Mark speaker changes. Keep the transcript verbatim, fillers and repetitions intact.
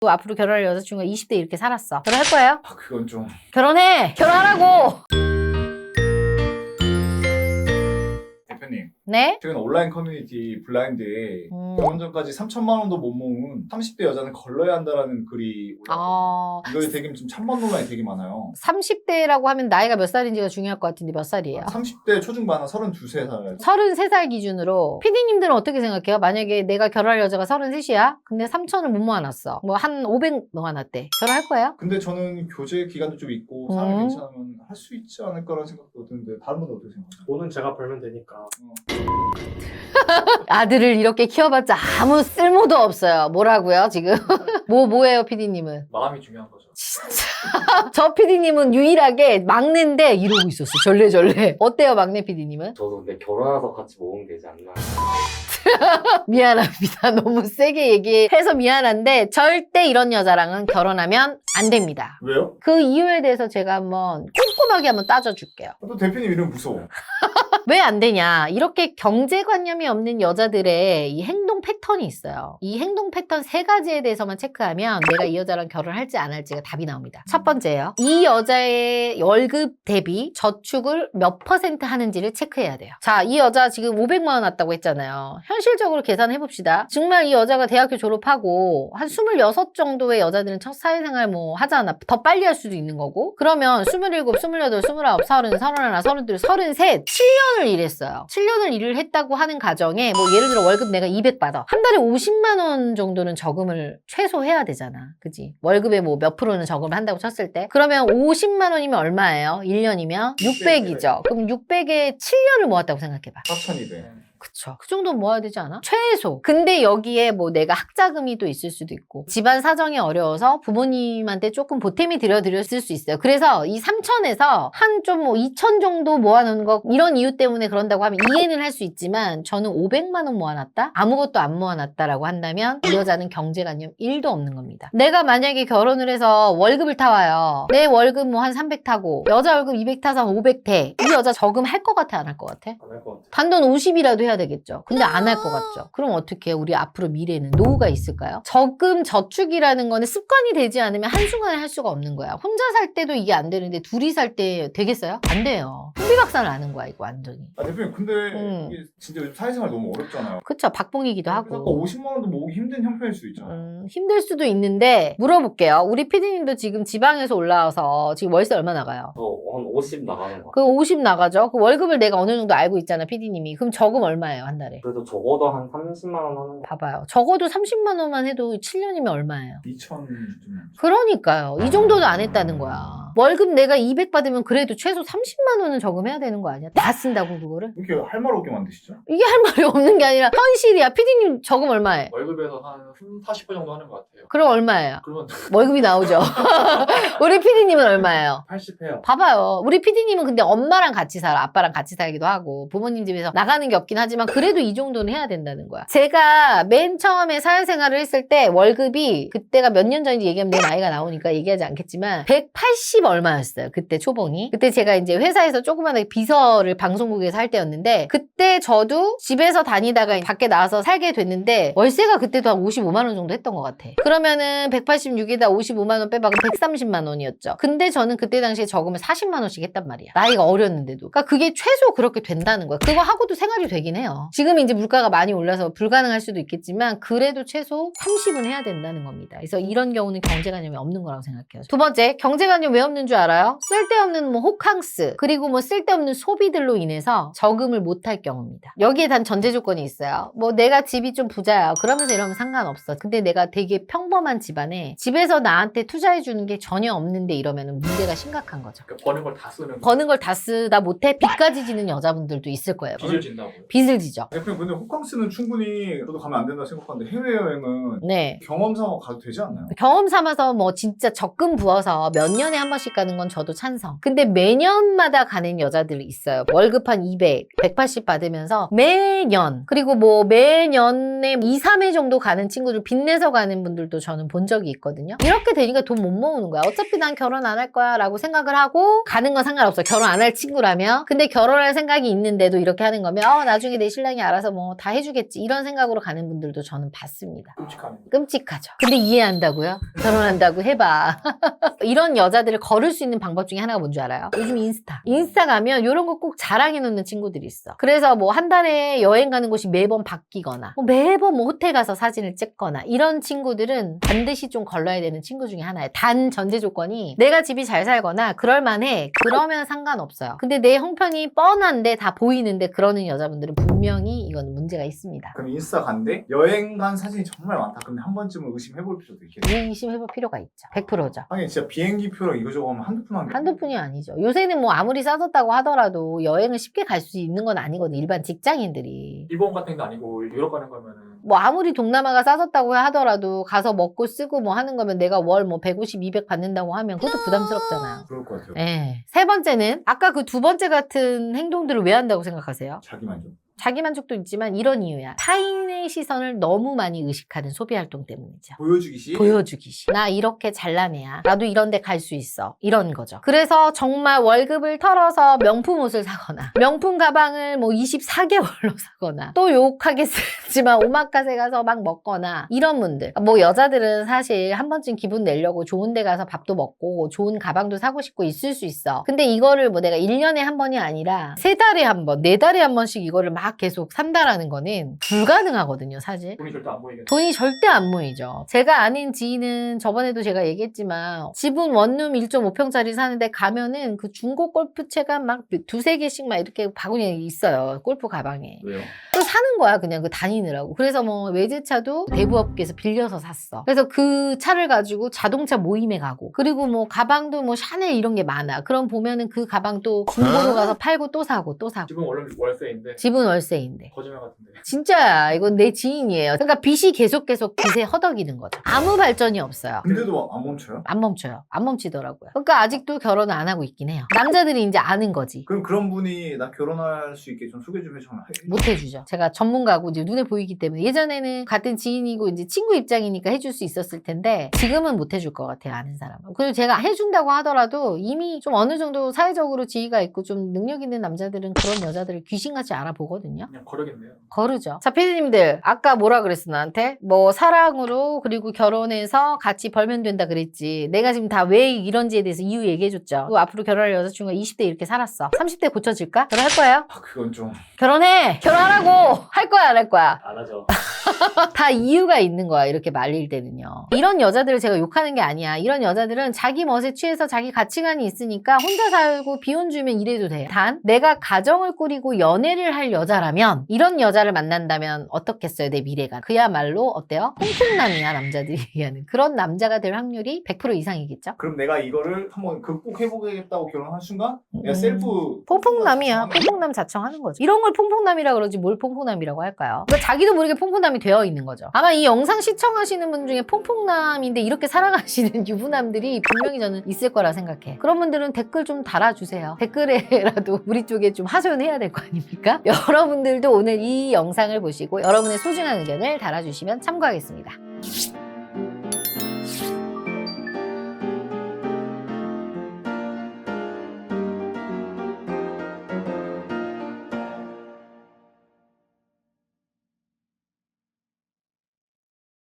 Speaker 1: 또 앞으로 결혼할 여자친구가 이십 대 이렇게 살았어. 결혼할 거예요?
Speaker 2: 아, 그건 좀.
Speaker 1: 결혼해! 결혼하라고!
Speaker 2: 대표님,
Speaker 1: 네?
Speaker 2: 최근 온라인 커뮤니티 블라인드에
Speaker 1: 음.
Speaker 2: 결혼 전까지 삼천만 원도 못 모은 삼십 대 여자는 걸러야 한다라는 글이 올라왔거든요.
Speaker 1: 아...
Speaker 2: 이거에 되게 좀 찬반 논란이 되게 많아요.
Speaker 1: 삼십 대라고 하면 나이가 몇 살인지가 중요할 것 같은데 몇 살이에요?
Speaker 2: 삼십 대 초중반 한 서른두 세 살.
Speaker 1: 서른세 살 기준으로 피디님들은 어떻게 생각해요? 만약에 내가 결혼할 여자가 서른셋이야? 근데 삼천을 못 모아놨어. 뭐 한 오백 모아놨대. 결혼할 거예요?
Speaker 2: 근데 저는 교제 기간도 좀 있고 사람이
Speaker 1: 음.
Speaker 2: 괜찮으면 할 수 있지 않을까라는 생각도 드는데 다른 분은 어떻게 생각하세요?
Speaker 3: 돈은 제가 벌면 되니까.
Speaker 1: 아들을 이렇게 키워봤자 아무 쓸모도 없어요. 뭐라고요 지금? 뭐 뭐예요 피디님은?
Speaker 3: 마음이 중요한 거죠.
Speaker 1: 저 피디님은 유일하게 막내인데 이러고 있었어. 절레절레. 어때요 막내 피디님은?
Speaker 4: 저도 근데 결혼해서 같이 모으면 되지 않나.
Speaker 1: 미안합니다. 너무 세게 얘기해서 미안한데 절대 이런 여자랑은 결혼하면 안 됩니다.
Speaker 2: 왜요?
Speaker 1: 그 이유에 대해서 제가 한번 꼼꼼하게 한번 따져줄게요.
Speaker 2: 또 대표님 이름 무서워.
Speaker 1: 왜 안 되냐? 이렇게 경제관념이 없는 여자들의 이 행동 패턴이 있어요. 이 행동 패턴 세 가지에 대해서만 체크하면 내가 이 여자랑 결혼할지 안 할지가 답이 나옵니다. 첫 번째요. 이 여자의 월급 대비 저축을 몇 퍼센트 하는지를 체크해야 돼요. 자, 이 여자 지금 오백만 원 왔다고 했잖아요. 현실적으로 계산해봅시다. 정말 이 여자가 대학교 졸업하고 한 스물여섯 정도의 여자들은 첫 사회생활 뭐 하잖아. 더 빨리 할 수도 있는 거고. 그러면 스물일곱, 스물여덟, 스물아홉, 서른, 서른하나, 서른둘, 서른셋, 칠 년을 일했어요. 칠 년을 일을 했다고 하는 가정에 뭐 예를 들어 월급 내가 이백 받아. 한 달에 오십만 원 정도는 저금을 최소 해야 되잖아. 그지? 월급에 뭐 몇 프로는 저금을 한다고 쳤을 때. 그러면 오십만 원이면 얼마예요? 일 년이면? 육백이죠. 그럼 육백에 칠 년을 모았다고 생각해봐.
Speaker 2: 사천이백.
Speaker 1: 그쵸. 그 정도는 모아야 되지 않아? 최소. 근데 여기에 뭐 내가 학자금이 또 있을 수도 있고 집안 사정이 어려워서 부모님한테 조금 보탬이 드려드렸을 수 있어요. 그래서 이 삼천에서 한 좀 뭐 이천 정도 모아놓은 거 이런 이유 때문에 그런다고 하면 이해는 할 수 있지만 저는 오백만 원 모아놨다? 아무것도 안 모아놨다라고 한다면 이 여자는 경제관념 일도 없는 겁니다. 내가 만약에 결혼을 해서 월급을 타와요. 내 월급 뭐 한 삼백 타고 여자 월급 이백 타서 오백 대. 이 여자 저금할 것 같아? 안 할 것 같아?
Speaker 3: 안 할 것 같아요.
Speaker 1: 단돈 오십이라도 해야 되겠죠. 근데 안 할 것 같죠. 그럼 어떻게 해요? 우리 앞으로 미래에는 노후가 있을까요? 저금 저축이라는 거는 습관이 되지 않으면 한순간에 할 수가 없는 거야. 혼자 살 때도 이게 안 되는데 둘이 살 때 되겠어요? 안 돼요. 풍비박산을 아는 거야 이거 완전히.
Speaker 2: 아 대표님 근데
Speaker 1: 음.
Speaker 2: 이게 진짜 요즘 사회생활 너무 어렵잖아요.
Speaker 1: 그쵸. 박봉이기도
Speaker 2: 아까
Speaker 1: 하고.
Speaker 2: 오십만 원도 모으기 힘든 형편일 수 있잖아요.
Speaker 1: 음, 힘들 수도 있는데 물어볼게요. 우리 피디님도 지금 지방에서 올라와서 지금 월세 얼마 나가요?
Speaker 4: 저 한 오십 나가는 거.
Speaker 1: 그 오십 나가죠? 그 월급을 내가 어느 정도 알고 있잖아 피디님이. 그럼 저금 얼마예요 한 달에?
Speaker 4: 그래도 적어도 한 삼십만 원 하는 거.
Speaker 1: 봐봐요. 적어도 삼십만 원만 해도 칠 년이면 얼마예요?
Speaker 2: 이천 좀.
Speaker 1: 그러니까요. 이 정도도 안 했다는 거야. 월급 내가 이백 받으면 그래도 최소 삼십만 원은 저금해야 되는 거 아니야? 다 쓴다고 그거를?
Speaker 2: 왜 이렇게 할 말 없게 만드시죠?
Speaker 1: 이게 할 말이 없는 게 아니라 현실이야. 피디님 저금 얼마에?
Speaker 3: 월급에서 한 사십 퍼센트 정도 하는 것 같아요.
Speaker 1: 그럼 얼마예요?
Speaker 3: 그러면
Speaker 1: 월급이 나오죠. 우리 피디님은 얼마예요?
Speaker 3: 팔십 해요.
Speaker 1: 봐봐요. 우리 피디님은 근데 엄마랑 같이 살아. 아빠랑 같이 살기도 하고 부모님 집에서 나가는 게 없긴 하지만 그래도 이 정도는 해야 된다는 거야. 제가 맨 처음에 사회생활을 했을 때 월급이 그때가 몇 년 전인지 얘기하면 내 나이가 나오니까 얘기하지 않겠지만 백팔십 얼마였어요. 그때 초봉이. 그때 제가 이제 회사에서 조그마한 비서를 방송국에서 할 때였는데 그때 저도 집에서 다니다가 밖에 나와서 살게 됐는데 월세가 그때도 한 오십오만 원 정도 했던 것 같아. 그러면은 백팔십육에다 오십오만 원 빼봐. 그럼 백삼십만 원이었죠. 근데 저는 그때 당시에 저금을 사십만 원씩 했단 말이야. 나이가 어렸는데도. 그러니까 그게 최소 그렇게 된다는 거야. 그거 하고도 생활이 되긴 해요. 지금 이제 물가가 많이 올라서 불가능할 수도 있겠지만 그래도 최소 삼십은 해야 된다는 겁니다. 그래서 이런 경우는 경제관념이 없는 거라고 생각해요. 두 번째, 경제관념 왜 없는 줄 알아요? 쓸데없는 뭐 호캉스 그리고 뭐 쓸데없는 소비들로 인해서 저금을 못할 경우입니다. 여기에 단 전제 조건이 있어요. 뭐 내가 집이 좀 부자야. 그러면서 이러면 상관없어. 근데 내가 되게 평범한 집안에 집에서 나한테 투자해 주는 게 전혀 없는데 이러면 문제가 심각한 거죠.
Speaker 3: 그러니까 버는 걸 다 쓰는.
Speaker 1: 버는 걸 다 쓰다 못해 빚까지 지는 여자분들도 있을 거예요.
Speaker 3: 빚을 진다고요.
Speaker 1: 빚을 지죠.
Speaker 2: 대표님 근데 호캉스는 충분히 저도 가면 안 된다 생각하는데 해외여행은
Speaker 1: 네.
Speaker 2: 경험 삼아 가도 되지 않나요?
Speaker 1: 경험 삼아서 뭐 진짜 적금 부어서 몇 년에 한 번씩 가는 건 저도 찬성. 근데 매년마다 가는 여자들이 있어요. 월급 한 이백, 백팔십 받으면서 매년 그리고 뭐 매년에 이, 삼 회 정도 가는 친구들 빚내서 가는 분들도 저는 본 적이 있거든요. 이렇게 되니까 돈 못 모으는 거야. 어차피 난 결혼 안 할 거야 라고 생각을 하고 가는 건 상관없어. 결혼 안 할 친구라면. 근데 결혼할 생각이 있는데도 이렇게 하는 거면 어 나중에 나중에 내 신랑이 알아서 뭐 다 해주겠지 이런 생각으로 가는 분들도 저는 봤습니다.
Speaker 3: 끔찍하네.
Speaker 1: 끔찍하죠. 근데 이해한다고요? 결혼한다고 해봐. 이런 여자들을 거를 수 있는 방법 중에 하나가 뭔 줄 알아요? 요즘 인스타. 인스타 가면 이런 거 꼭 자랑해놓는 친구들이 있어. 그래서 뭐 한 달에 여행 가는 곳이 매번 바뀌거나 뭐 매번 뭐 호텔 가서 사진을 찍거나 이런 친구들은 반드시 좀 걸러야 되는 친구 중에 하나예요. 단 전제 조건이 내가 집이 잘 살거나 그럴만해. 그러면 상관없어요. 근데 내 형편이 뻔한데 다 보이는데 그러는 여자분들은 분명히 이건 문제가 있습니다.
Speaker 2: 그럼 인스타 간대 여행 간 사진이 정말 많다. 근데 한 번쯤은 의심해볼 필요도 있겠네.
Speaker 1: 의심해볼 필요가 있죠. 백 퍼센트죠.
Speaker 2: 하긴 진짜 비행기표랑 이거저거 하면 한두 푼 하는
Speaker 1: 한두 푼이 아니죠. 요새는 뭐 아무리 싸졌다고 하더라도 여행을 쉽게 갈 수 있는 건 아니거든. 일반 직장인들이.
Speaker 3: 일본 같은 게 아니고 유럽 가는 거면은
Speaker 1: 뭐 아무리 동남아가 싸졌다고 하더라도 가서 먹고 쓰고 뭐 하는 거면 내가 월 뭐 백오십, 이백 받는다고 하면 그것도 부담스럽잖아요.
Speaker 2: 그럴 것 같아요.
Speaker 1: 예. 세 번째는 아까 그 두 번째 같은 행동들을 왜 한다고 생각하세요?
Speaker 2: 자기 만족.
Speaker 1: 자기 만족도 있지만 이런 이유야. 타인의 시선을 너무 많이 의식하는 소비 활동 때문이죠.
Speaker 2: 보여주기시.
Speaker 1: 보여주기시. 나 이렇게 잘난 애야. 나도 이런 데 갈 수 있어. 이런 거죠. 그래서 정말 월급을 털어서 명품 옷을 사거나 명품 가방을 뭐 이십사 개월로 사거나 또 욕하겠지만 오마카세 가서 막 먹거나 이런 분들. 뭐 여자들은 사실 한 번쯤 기분 내려고 좋은 데 가서 밥도 먹고 좋은 가방도 사고 싶고 있을 수 있어. 근데 이거를 뭐 내가 일 년에 한 번이 아니라 세 달에 한 번, 네 달에 한 번씩 이거를 막 계속 산다라는 거는 불가능하거든요, 사실.
Speaker 3: 돈이 절대 안 보이겠네.
Speaker 1: 돈이 절대 안 모이죠. 제가 아는 지인은 저번에도 제가 얘기했지만 집은 원룸 일 점 오 평짜리 사는데 가면은 그 중고 골프채가 막 두세 개씩 막 이렇게 바구니에 있어요. 골프 가방에.
Speaker 2: 왜요?
Speaker 1: 또 사는 거야, 그냥 그 다니느라고. 그래서 뭐 외제차도 대부업계에서 빌려서 샀어. 그래서 그 차를 가지고 자동차 모임에 가고 그리고 뭐 가방도 뭐 샤넬 이런 게 많아. 그럼 보면은 그 가방 또 중고로 가서 팔고 또 사고 또 사고.
Speaker 3: 지금 원래 월세인데
Speaker 1: 집은 월세인데.
Speaker 3: 거짓말 같은데.
Speaker 1: 진짜야. 이건 내 지인이에요. 그러니까 빚이 계속 계속 빚에 허덕이는 거죠. 아무 발전이 없어요.
Speaker 2: 근데도 안 멈춰요?
Speaker 1: 안 멈춰요. 안 멈추더라고요. 그러니까 아직도 결혼을 안 하고 있긴 해요. 남자들이 이제 아는 거지.
Speaker 2: 그럼 그런 분이 나 결혼할 수 있게 좀 소개 좀 해줘.
Speaker 1: 못 해주죠. 제가 전문가고 이제 눈에 보이기 때문에 예전에는 같은 지인이고 이제 친구 입장이니까 해줄 수 있었을 텐데 지금은 못 해줄 것 같아요. 아는 사람은. 그리고 제가 해준다고 하더라도 이미 좀 어느 정도 사회적으로 지위가 있고 좀 능력 있는 남자들은 그런 여자들을 귀신같이 알아보거든요.
Speaker 3: 그냥 거르겠네요.
Speaker 1: 거르죠. 자, 피디님들 아까 뭐라 그랬어 나한테? 뭐 사랑으로 그리고 결혼해서 같이 벌면 된다 그랬지. 내가 지금 다 왜 이런지에 대해서 이유 얘기해줬죠. 그리고 앞으로 결혼할 여자친구가 이십 대 이렇게 살았어. 삼십 대 고쳐질까? 결혼할 거예요?
Speaker 2: 아 그건 좀.
Speaker 1: 결혼해! 결혼하라고! 할 거야 안 할 거야?
Speaker 3: 안 하죠.
Speaker 1: 다 이유가 있는 거야. 이렇게 말릴 때는요. 이런 여자들을 제가 욕하는 게 아니야. 이런 여자들은 자기 멋에 취해서 자기 가치관이 있으니까 혼자 살고 비혼 주면 이래도 돼. 단 내가 가정을 꾸리고 연애를 할 여자라면 이런 여자를 만난다면 어떻겠어요? 내 미래가. 그야말로 어때요? 퐁퐁남이야. 남자들이 얘기하는. 그런 남자가 될 확률이 백 퍼센트 이상이겠죠?
Speaker 2: 그럼 내가 이거를 한번 극복해보겠다고 결혼한 순간 내가
Speaker 1: 음.
Speaker 2: 셀프
Speaker 1: 퐁퐁남이야. 퐁퐁남 자청하는 거죠. 이런 걸 퐁퐁남이라 그러지 뭘 퐁퐁남이라고 할까요? 그러니까 자기도 모르게 퐁퐁남이 되어 있는 거죠. 아마 이 영상 시청하시는 분 중에 퐁퐁남인데 이렇게 살아가시는 유부남들이 분명히 저는 있을 거라 생각해. 그런 분들은 댓글 좀 달아주세요. 댓글에라도 우리 쪽에 좀 하소연해야 될 거 아닙니까? 여러분들도 오늘 이 영상을 보시고 여러분의 소중한 의견을 달아주시면 참고하겠습니다.